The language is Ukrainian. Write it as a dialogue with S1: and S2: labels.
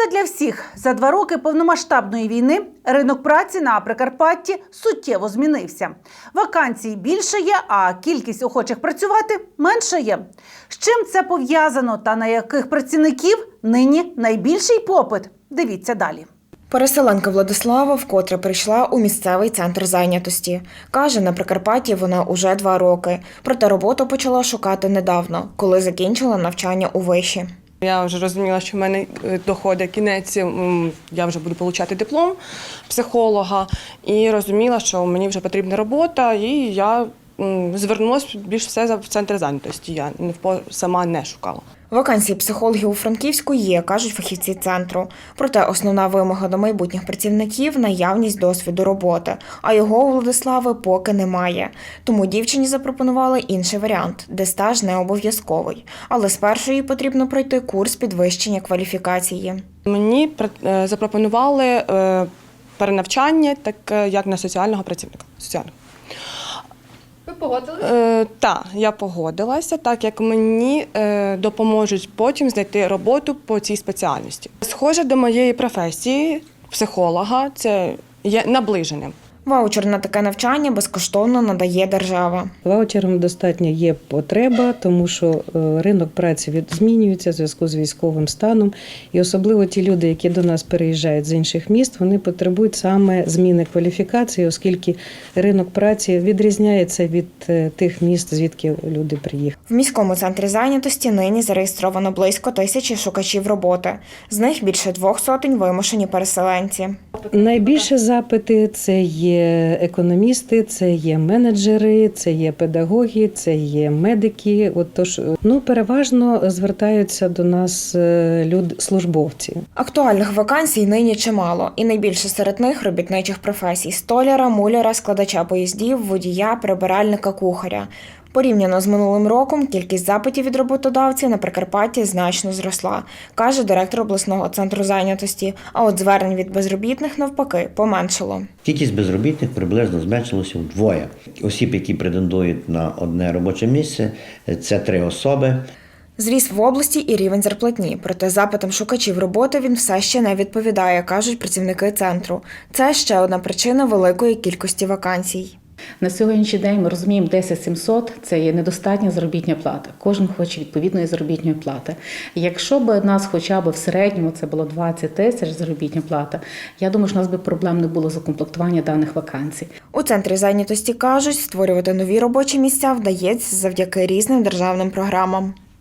S1: Правда для всіх, за 2 роки повномасштабної війни ринок праці на Прикарпатті суттєво змінився. Вакансій більше є, а кількість охочих працювати менше є. З чим це пов'язано та на яких працівників нині найбільший попит? Дивіться далі.
S2: Переселенка Владислава вкотре прийшла у місцевий центр зайнятості. Каже, на Прикарпатті вона уже 2 роки. Проте роботу почала шукати недавно, коли закінчила навчання у виші.
S3: Я вже розуміла, що в мене доходить кінець, я вже буду отримати диплом психолога, і розуміла, що мені вже потрібна робота, і я звернулася більш все в центр зайнятості, я сама не шукала.
S2: Вакансії психологів у Франківську є, кажуть фахівці центру. Проте основна вимога до майбутніх працівників – наявність досвіду роботи, а його у Владислави поки немає. Тому дівчині запропонували інший варіант, де стаж не обов'язковий. Але спершу їй потрібно пройти курс підвищення кваліфікації.
S3: Мені запропонували перенавчання, так як на соціального працівника.
S4: Ви погодилися?
S3: Так, я погодилася, так як мені допоможуть потім знайти роботу по цій спеціальності. Схоже до моєї професії, психолога, це є наближеним.
S2: Ваучер на таке навчання безкоштовно надає держава.
S5: Ваучерам достатньо є потреба, тому що ринок праці змінюється в зв'язку з військовим станом. І особливо ті люди, які до нас переїжджають з інших міст, вони потребують саме зміни кваліфікації, оскільки ринок праці відрізняється від тих міст, звідки люди приїхали.
S2: В міському центрі зайнятості нині зареєстровано близько 1000 шукачів роботи. З них більше 200 вимушені переселенці.
S5: Найбільше запити – це є економісти, це є менеджери, це є педагоги, це є медики. Отож, переважно звертаються до нас службовці.
S2: Актуальних вакансій нині чимало, і найбільше серед них робітничих професій – столяра, муляра, складача поїздів, водія, прибиральника, кухаря. Порівняно з минулим роком кількість запитів від роботодавців на Прикарпатті значно зросла, каже директор обласного центру зайнятості. А от звернень від безробітних, навпаки, поменшало.
S6: Кількість безробітних приблизно зменшилася вдвоє. Осіб, які претендують на одне робоче місце, це 3 особи.
S2: Зріс в області і рівень зарплатні, проте запитам шукачів роботи він все ще не відповідає, кажуть працівники центру. Це ще одна причина великої кількості вакансій.
S4: На сьогоднішній день ми розуміємо, 10 700 – це є недостатня заробітна плата. Кожен хоче відповідної заробітної плати. Якщо б у нас хоча б в середньому це було 20 тисяч заробітна плата, я думаю, що у нас би проблем не було закомплектування даних вакансій.
S2: У центрі зайнятості кажуть, створювати нові робочі місця вдається завдяки різним державним програмам.